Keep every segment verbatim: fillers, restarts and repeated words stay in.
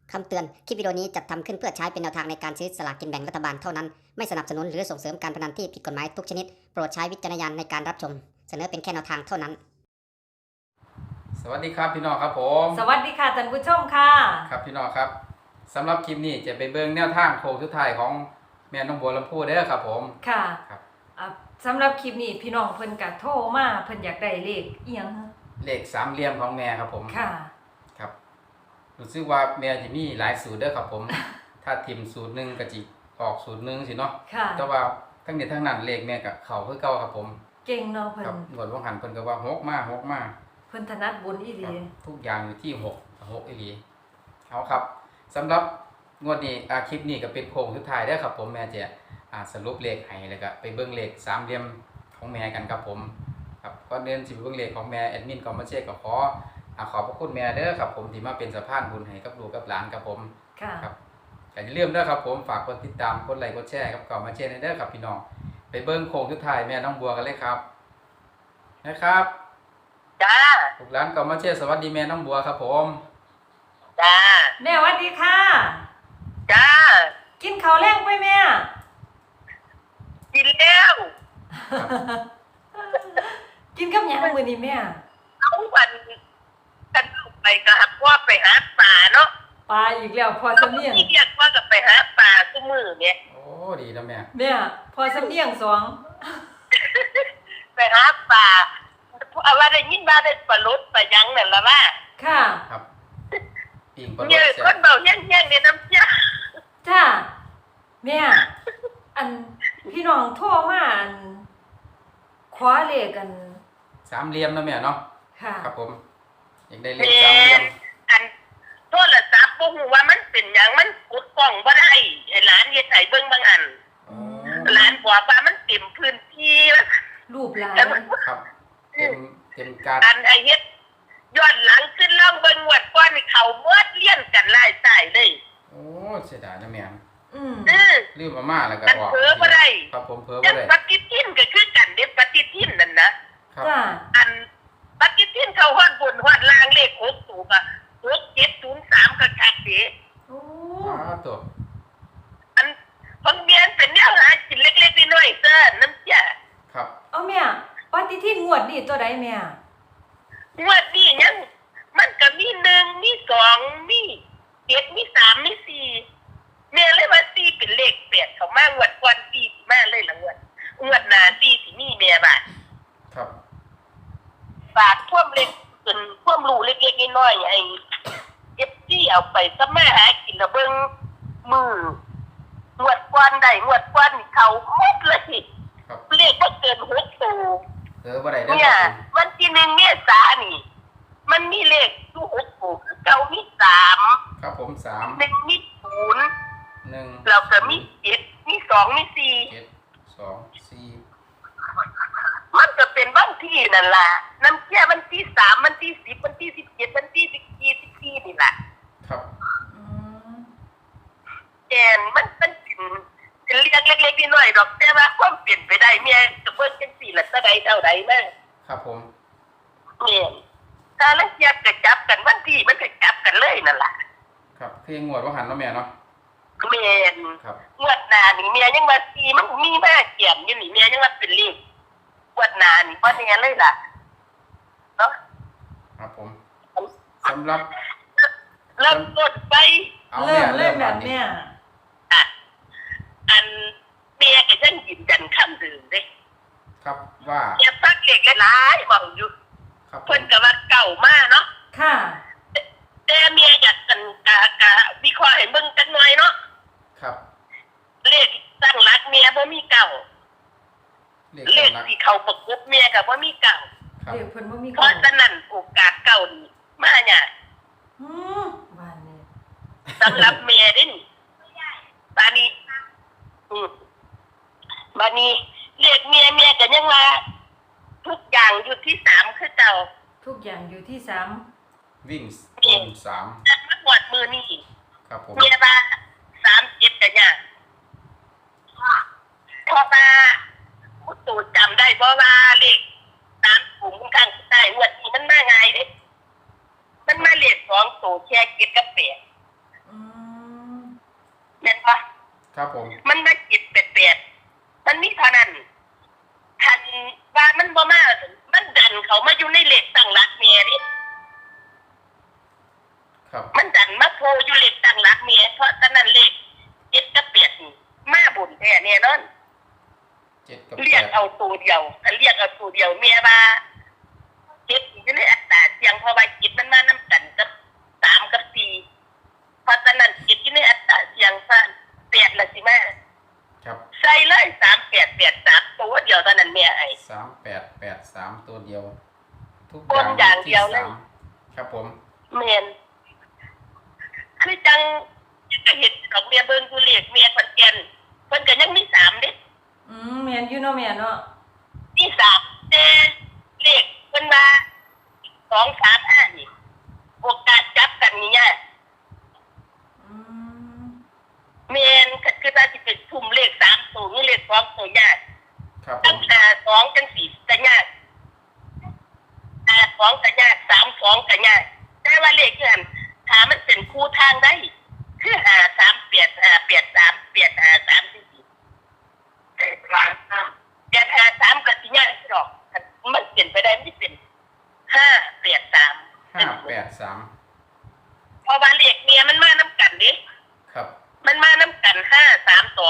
คำเตือน คลิปวิดีโอนี้จัดทำขึ้นเพื่อใช้เป็นแนวทางในการซื้อสลากกินแบ่งรัฐบาลเท่านั้น ไม่สนับสนุนหรือส่งเสริมการพนันที่ผิดกฎหมายทุกชนิด โปรดใช้วิจารณญาณในการรับชม เสนอเป็นแค่แนวทางเท่านั้นสวัสดีครับพี่น้องครับผมสวัสดีค่ะท่านผู้ชมค่ะครับพี่น้องครับสำหรับคลิปนี้จะไปเบิ่งแนวทางโค้งสุดท้ายของแม่น้องบัวลำพูเด้อครับผมค่ะครับอ่ะสำหรับคลิปนี้พี่น้องเพิ่นก็โทรมาเพิ่นอยากได้เลขอีหยังเลขสามเหลี่ยมของแม่ครับผมค่ะครับรู้สึกว่าแม่จะมีหลายสูตรเด้อครับผม ถ้าทิมสูตรหนึ่งก็จิออกสูตรหนึ่งสิเนาะค่ะแต่ว่าทั้งนี้ทั้งนั้นเลขแม่กับเขาคือเก่าครับผมเก่งเนาะเพิ่ครับนงวดว่างหันเพิ่นก็ว่าหกมาหกมาเพิ่นถนัดบุญอีหครัลีบทุกอย่างอยู่ที่หกหกอีหลีเอาครับสำหรับงวดนี้อ่าคลิปนี้ก็เป็นโค้งสุดท้ายเด้อครับผมแม่จะอ่าสรุปเลขให้แล้วก็ไปเบิ่งเลขสามเหลี่ยมของแม่กันครับผมครับก่อนเดินสิไปเบิ่งเลขของแม่แอดมินก็มาเช็คก็ขออ่าขอบพระคุณแม่เด้อครับผมที่มาเป็นสะพานบุญให้กับลูกกับหลานครับผมค่ะครับก็อย่าลืมเด้อครับผมฝากกดติดตามกดไลค์กดแชร์ครับก็มาเช็คให้เด้อครับพี่น้องไปเบิ่งโค้งสุดท้ายแม่น้องบัวกันเลยครับนะครับจ้าลูกหลานก็มาเช็คสวัสดีแม่น้องบัวครับผมจ้าแม่สวัสดีค่ะจ้ากินข้าวแรงไปแม่กินแล้วกินกับหยังมื้อนี้แม่เอาวันกันไปกับพ่อไปหาปลาเนาะปลาอีกแล้วพอสำเนียงที่เรียกว่ากับไปหาปลาทุกมือเนี่ยโอ้ดีแล้วแม่แม่พอสำเนียงสองไปหาปลาเอาว่าได้ยินว่าได้ปลาลดปลายังนั่นละว่าค่ะครับปิ่งปลาโรเนี่ยสคแซ่นบเบาแย่งๆในน้ำเจ้าจ้าแม่อันพี่น้องโทรมาอันขอเลขกันสามเหลี่ยมนะแม่เนาะค่ะครับผมอยากได้เลแมขสามเหลี่ยนมอันโทรศัพท์บ่ฮู้ว่ามันเป็นหยังมันกดกล้องบ่ได้ไอ้หลานเฮ็ดให้เบิ่งบางอันโอ้หลานบอกว่ามันเต็มพื้นที่แล้วรูปหลานครับเต็มเต็มการอันไอเฮ็ดย้อนหลังขึ้นล่องเบิ่งวัดก้อนนี่เขาเมื่อเลี้ยนกันไล่ใต้เลยโอ้เสียดายนะแม่อืมเออลืมมาม่าแล้วก็มันออกเผลอบ่ได้ครับผมเผลอจับ่งได้ปฏิทินก็คือกันเด้ปฏิทินนั่นนะครับจ้าอันปฏิทินเขาฮอดบนฮอดล่างเลขหกตัวก็หกเจ็ดศูนย์สามก็คักเด้โอ้อ้าวตัวอันบางเดือนเป็นแนวหากินเล็กๆน้อยๆเด้อน้ำจ้ะครับเอาแม่ปฏิทินงวดนี่ตัวใดแม่งวดนี้ยังมันก็มีหนึ่งมีสองมีเจ็ดมีสามมีสี่แม่เลยว่าสี่เป็นเลขแปดเขามางวดก่อนสี่สิมาเลยละงวดงวดหน้าสี่สิมีแม่บาทครับบาทท่วมเล็กจนท่วมรูเล็กๆน้อยๆไอ้เอฟซีเอาไปซะแม่หากินละเบิ่งมืองวดก่อนได้งวดก่อนนี่เขาหมดเลยครับเลขบ่เกินหกตัวเผลอบ่ได้เด้อเนี่คยรับผมวันที่หนึ่งเมษานี่ มันมีเลขอยู่หกตัวคือเก้ามีสามครับผมสามหนึ่งมีศูนย์หนึ่งแล้วก็มีเจ็ดมีสองมีสี่เจ็ดสองสี่มันก็เป็นวันที่นั่นล่ะน้ำเชื่อวันที่สามวันที่สิบวันที่สิบเจ็ดวันที่สิบสี่สิบสี่นี่แหละครับอืมแอนมันมันเป็นเป็นเรื่องเล็กๆน้อยๆดอกแต่ว่าความเปลี่ยนไปได้เมียจะเบิ่งจังสี่ละเท่าใดเท่าใดแม่ครับผมเมียถ้าละเอียดก็จับกันวันที่มันก็จับกันเลยนั่นล่ะครับคืองวดว่าหันเนาะแม่เนาะเมียนครับงวดหน้านี่เมียยังว่าสีมันมีแม่เขียนอยู่นี่เมียยังว่าเป็นเลขงวดหน้านี่บ่แน่เลยล่ะเนาะครับผมสำหรับเริ่มต้นไปเอาเริ่แม่มเริ่เริ่มมแบแบบบนี้แม่อ่ะอันเมียก็ยังยืนยันคำเดิมเด้ครับว่าเมียพักเล็กหลายๆบอกอยู่ครับผเพิ่นมก็ว่าเก่ามากเนาะค่ะแต่เมียอยากกันกะกะวิเคราะห์ให้เบิ่งจักหน่อยเนาะครับเลขตั้งรักเมียบ่มีเก่าเลขเลขสำนักที่เขาประกบเมียก็บ่มีเก่าครับเดี๋ยวเพิ่นบ่มีเพเก่าราะฉะนั้นโอกาสเก่านี่มาเนี่ยอืมบ้านนี้สำหรับเมียเด้นี่บาดนี้อืมบาดนี้เลขเมียเมียก็ยังว่าทุกอย่างอยู่ที่สามคือเก่าทุกอย่างอยู่ที่สามวิ่งตรงสามแต่มาหวดมือนี่ครับผมเมียว่าสามเจ็ดกันเนี่ยเพราะว่าผู้ตูจำได้เพราะว่าเลขสามถุงข้างใต้หวดนี้มันมาไงเด้มันมาเลขสองตัวแค่เจ็ดกับแปดอืมห็นปะครับผมมันมาเจ็ดแปดแปดมันมีเท่านั้นทันว่ามันบ่มามันดันเขามาอยู่ในเลขตั้งหลักเมียนี่ครับมันดันมาโพอยู่เลขตั้งหลักเมียเพราะฉะนั้นเลขเจ็ดกับแปดนี่มาบุญแท้แน่นอนเจ็ดกับเรียกแปดเอาตัวเดียวถ้าเรียกเอาตัวเดียวเมียว่าเจ็ดอยู่ในอัตราเสียงเพราะว่าเจ็ดมันมาน้ำกันกับสามกับสี่เพราะฉะนั้นเจ็ดอยู่ในอัตราเสียงสั้นแปดละสิมาครับใส่เลยสามแปดแปดสามตัวเดียวเท่านั้นเมียไอ้สามแปดแปดสามตัวเดียว ทุกบนอย่างเดียวเลยที่สามครับผมเมียนคือจังจะเห็นดอกเมียเบิ้งกูเรียกเมียคนแก่นเพิ่นก็ยังมีสามเด้อืมแม่นอยู่เนาะแม่เนาะมีสามแต่เลขเพิ่นว่าสองสามห้านี่โอกาสจับกันนี่ยากอืมเมียนก็คือถ้าสิเป็นทุ่มเลขสามตัวนี่เลขสองตัวยากครับผตั้งมหาสองจังสี่ก็ยากหาสองก็ยากสามสองก็ยากแต่ว่าเลขเงินถ้ามันเป็นคู่ทางได้คือหาสามเปียดหาเปียดสามเปียดหาสามสี่สี่เปียดหาสามเปียดหาสามก็สิยากหรอกมันเปลี่ยนไปได้ไม่เป็นห้าเปียดสามห้าแปดสามเพราะว่าเลขเมียมันมาน้ำกันดิครับมันมาน้ำกันห้าสามสอง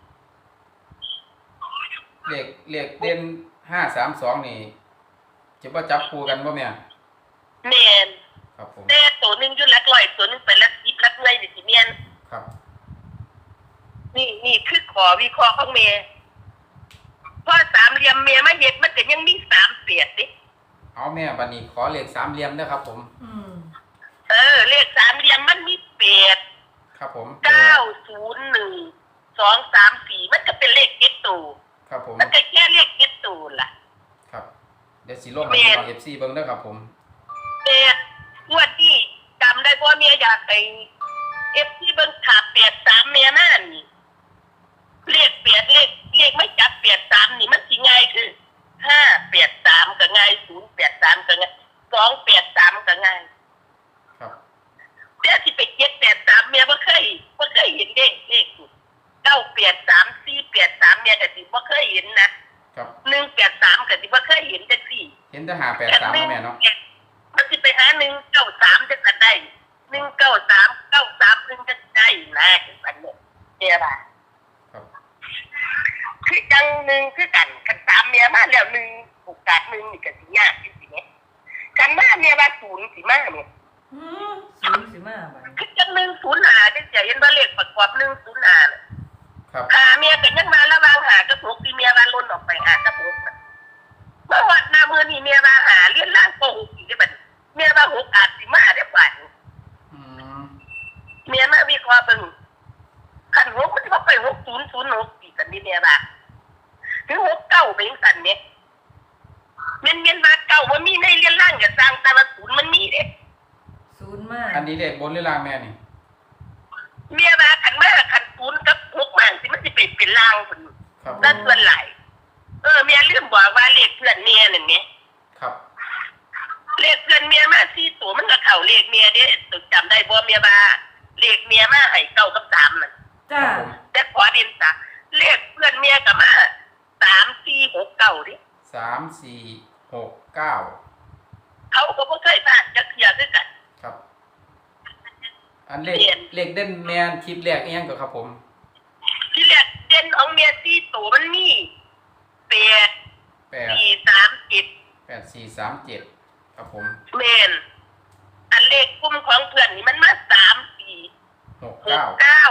เลขเลขเด่นห้าสามสองนี่จะว่าจับคู่กันบ่แม่เมียนครับผมแต่ตัวหนึ่งอยุ่หลักร้อยตัวหนึ่งเป็นหลักสิบหลักหน่วยดิสิเมียนครับนี่นี่คือขอวิเคราะห์ของเมียเพราะสามเหลี่ยมเมียมาเห็ดมันก็ยังมีสามเปียดดิเอาแม่บัดนี้ขอเลขสามเหลี่ยมเด้อครับผมอืมเออเลขสามเหลี่ยมมันมีเปียดครับผมเก้าศูนย์หนึ่งสองสามสี่มันก็เป็นเลขเจ็ดตัวครับผมมันก็แค่เลขเจ็ดตัวล่ะครับเดี๋ยวสิลงให้พี่น้อง เอฟ ซี เบิ่งเด้อครับผมเปียดงวดที่จำได้ว่าเมียอยากไปเอฟที่เบิ้งขาเปียดสามเมียนั่นนี่เลขเปียดเลขเลขไม่จับเปียดสามนี่มันสิง่ายคือห้าเปียดสามก็ง่ายศูนย์เปียดสามก็ง่ายสองเปียดสามก็ง่ายครับเดี๋ยวที่ไปเจ็ดเปียดสามเมียบ่เคยบ่เคยเห็นเลขเลขนี่เก้าเปียดสามสี่เปียดสามเมียก็สิบ่เคยเห็นนะครับ หนึ่งเปียดสามก็สิบ่เคยเห็นจังซี่เห็นแต่หาแปดสามแม่เนาะมันสิไปหาหนึ่งเก้าสามจะกันได้หนึ่งเก้าสามเก้าสามหนึ่งจะได้นะสันเนี่ยเนี่ยป่ะครับคือจังหนึ่งคือกันกันสามเมียมาแล้วหนึ่งโอกาสหนึ่งนี่ก็สิยากจริงๆเนี่ยกันมาเมียว่าศูนย์สิมาเนี่ยอืมศูนย์สิมาบัดนี้คือจังหนึ่งศูนย์หาจะเห็นว่าเลขประกอบหนึ่งศูนย์หาน่ะครับหาเมียกันยังมาระวางหากับหกที่เมียว่าล้นออกไปหากับหกน่ะเมื่อวันหน้ามือนี่เมียว่าหาเลี้ยนล่างโกหกอีกได้บัดนี้เมียว่าหกอาจสิมาได้ป่านอืมเมียมาวิเคราะห์เบิ่งคันหกมันก็ไปหกศูนย์ศูนย์หกสี่กันนี่เมียบ่าถึงหกเก้าไปยังสันเนี่ยเมียนเมียนมาเก้าว่ามีในเรียนล่างกับสร้างแต่ว่าศูนย์มันมีเด้ศูนย์มาอันนี้เลขบนหรือล่างแม่นี่เมียมาขันมาขันศูนย์กับหกมันสิมันสิไปเป็นล่างคนครับด้านส่วนไหลายเออเมียลืมบอกว่าเลขเพื่อนเมียนั่นเนี่ยครับเลขเพื่อนเมียมาสี่ตัวมันก็เข่าเลขเมียเด้ตึกจำได้บ่เมียว่าเลขเมียมาให้เก้ากับสามนั่นจ้าครับผมแต่ขอดินจ้ะเลขเพื่อนเมียกับมาสามสี่หกเก้าดิสามสี่หกเก้าเขาก็บ่เคยผ่านจะเคลียร์ด้วยกันครับ อันเลขเปลี่ยนเลขเด่นแมนคลิปแรกอีหยังก็ครับผมที่แรกเด่นของเมียสี่ตัวมันมีแปดแปดสี่สามเจ็ดแปดสี่สามเจ็ดครับผมเมนอันเลขกลุ่มของเพื่อนนี่มันมาสามสี่หกหกเก้าเก้า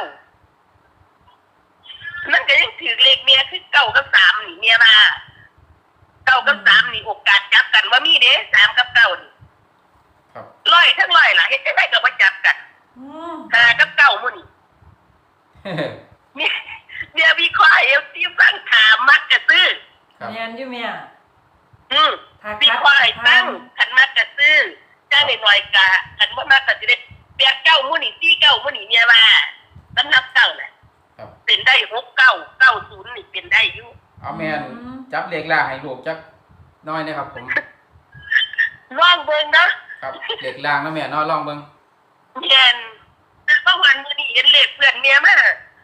มันก็ยังถือเลขเมียคือเก้ากับสามนี่เมียมาเก้ากับสามนี่โอกาสจับกันว่ามีเด้สามกับเก้านี่ครับร้อยทั้งร้อยล่ะเฮ็ดจังไดก็บ่จับกันอืมห้ากับเก้ามื้อนี่เนี่ยเนี่ยวิเคราะห์เอลที่ฟังถามมักจะซื้อครับแม่นอยู่แม่อืมถ้าวิคัดเคราะห์ให้ทาตั้งงขันมักจะซื้อจ้าหน่อยๆกะขันบ่มักก็สิได้แปดเก้ามื้อนี่สี่เก้ามื้อนี่เนี่ยว่าสำนับเก้าน่ะครับเป็นได้หกเก้าเก้าศูนย์นี่เป็นได้อยู่เอาแมนจับเลขล่างให้ลูกจักหน้อยนะครับผมลองเบิ่งเนาะครับเลขล่างนะแม่เน้อยลองเบิ่งเย็นแต่เมื่อวันมื้อนี้เห็นเลขเพื่อนเมียมา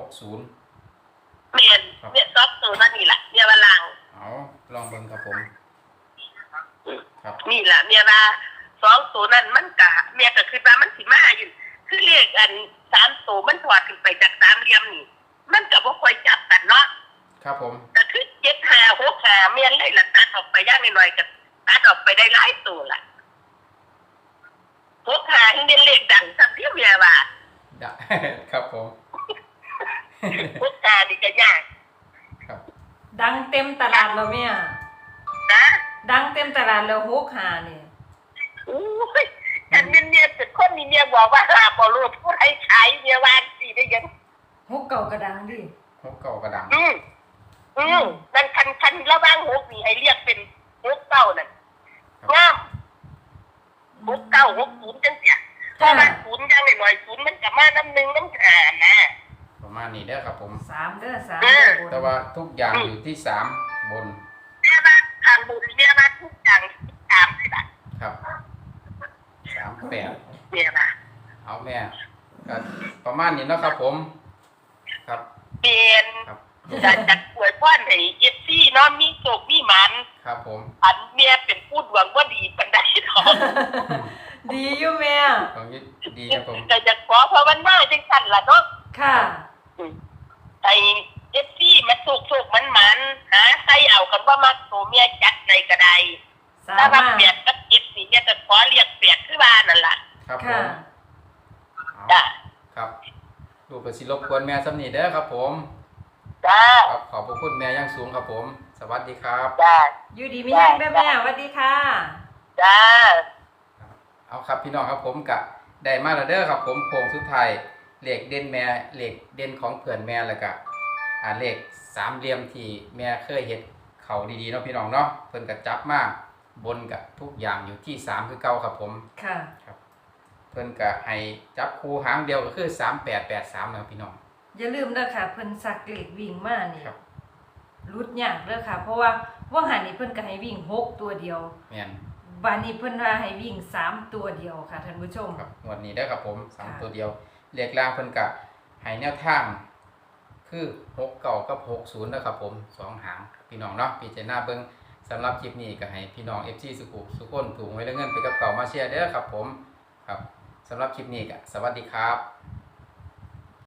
ศูนย์เมียนเมียนซอฟตัวนั่นนี่แหละเมียว่าลางเอาลองเบิ่งครับผมครับนี่แหละเมียว่าสองตัวนั้นมันกะเมียก็คือว่ามันสิมาอยู่คือเลขอันสามตัวมันถอดขึ้นไปจากสามเหลี่ยมนี่มันก็บ่ค่อยจับกันเนาะครับผมก็คือเจ็ดห้าหกห้าเมียนเลยละตัดออกไปย่างหน่อยๆก็ตัดออกไปได้หลายตัวละหกห้าที่เป็นเลขดังสักที่เมียว่าได้ ครับผมหกห้านี่ก็ยากครับดังเต็มตลาดแล้วแม่นะดังเต็มตลาดแล้วหกหานี่อู้ยอันเมียเมียเป็นคนนี่เมียบอกว่าหาบ่รู้ผู้ใดขายเมียวางสิได้ยังหกเก่าก็ดังดิหกเก่ากระดังอืมอืมนั่นคันคันระหว่างหกนี่ให้เรียกเป็นหกเก้านั่นงามหกเก้าหกศูนย์จังเสียเพราะว่าศูนย์ยังหน่อยๆศูนย์มันจะมาน้ำหนึ่งน้ำหานะประมาณนี้เด้อครับผมสามเด้อสามเอเด้ออบนแต่ว่าทุกอย่างอยู่ที่สามบนเรียกว่าทางบุญเรียกว่าทุกอย่างสามสิบบาทครับสามแปดเรียกว่าเอาแม่ก็ประมาณนี้เนาะครับผม ครับเปลี่ยนครับจะจัดป่วยพ่อนให้เอฟซีเนาะมีโศกมีหมันครับผมอันเมียเป็นพูดหวังว่าดีปันไดทองดีอยู่แม่ตรงนี้ดีครับผมแต่จะขอเพราะวันหน้าจังสันล่ะเนาะค่ะไอเอฟซีมันโศกโศกมันหมันหาใส่เอากันว่ามักโตเมียจัดในกระไดสาถ้าว่าารถมเปลี่ยนกับเอฟซีเนี่ยจะขอเรียกเปลี่ยนขึ้นมานั่นล่ะครับผค่ะมเอาจ้าครับดูกระสิรบกวนแม่สำนีเด้อครับผมจ้าครับขอบพระคุณแม่อยังสูงครับผม สวัสดีครับจ้าอยู่ดีมีแห้งเด้อแม่สวัสดีค่ะจ้าเอาครับพี่น้องครับผมกะได้มาแล้วเด้อครับผมโค้งสุดท้ายเลขเด่นแม่เลขเด่นของเพื่อนแม่แล้วก็อ่าเลขสามเหลี่ยมที่แม่เคยเฮ็ดเขาดีๆเนาะพี่น้องเนาะเพิ่นก็จับมาบนกับทุกอย่างอยู่ที่สามคือเก่าครับผมค่ะเพิ่นก็ให้จับคู่หางเดียวก็คือสามแปดแปดสามนะครับพี่น้องอย่าลืมเด้อค่ะเพิ่นสักเลขวิ่งมานี่ครับรุดยากเด้อค่ะ เพราะว่าว่างหันนี่เพิ่นก็ให้วิ่งหกตัวเดียวแม่นบานนี้เพิ่นว่าให้วิ่งสามตัวเดียวค่ะท่านผู้ชมครับงวดนี้ได้อครับผมสามค่ะตัวเดียวเลขล่างเพิ่นก็ให้แนวทางคือหกเก้ากับหกศูนย์นะครับผมสองหางพี่น้องเนาะพิจารณาเบิ่งสำหรับคลิปนี้ก็ให้พี่น้อง เอฟ ซี สุขุสุขคนถูกไว้แล้วเงินไปกับเก่ามาเชียร์เด้อครับผมครับสำหรับคลิปนี้ก็สวัสดีครับ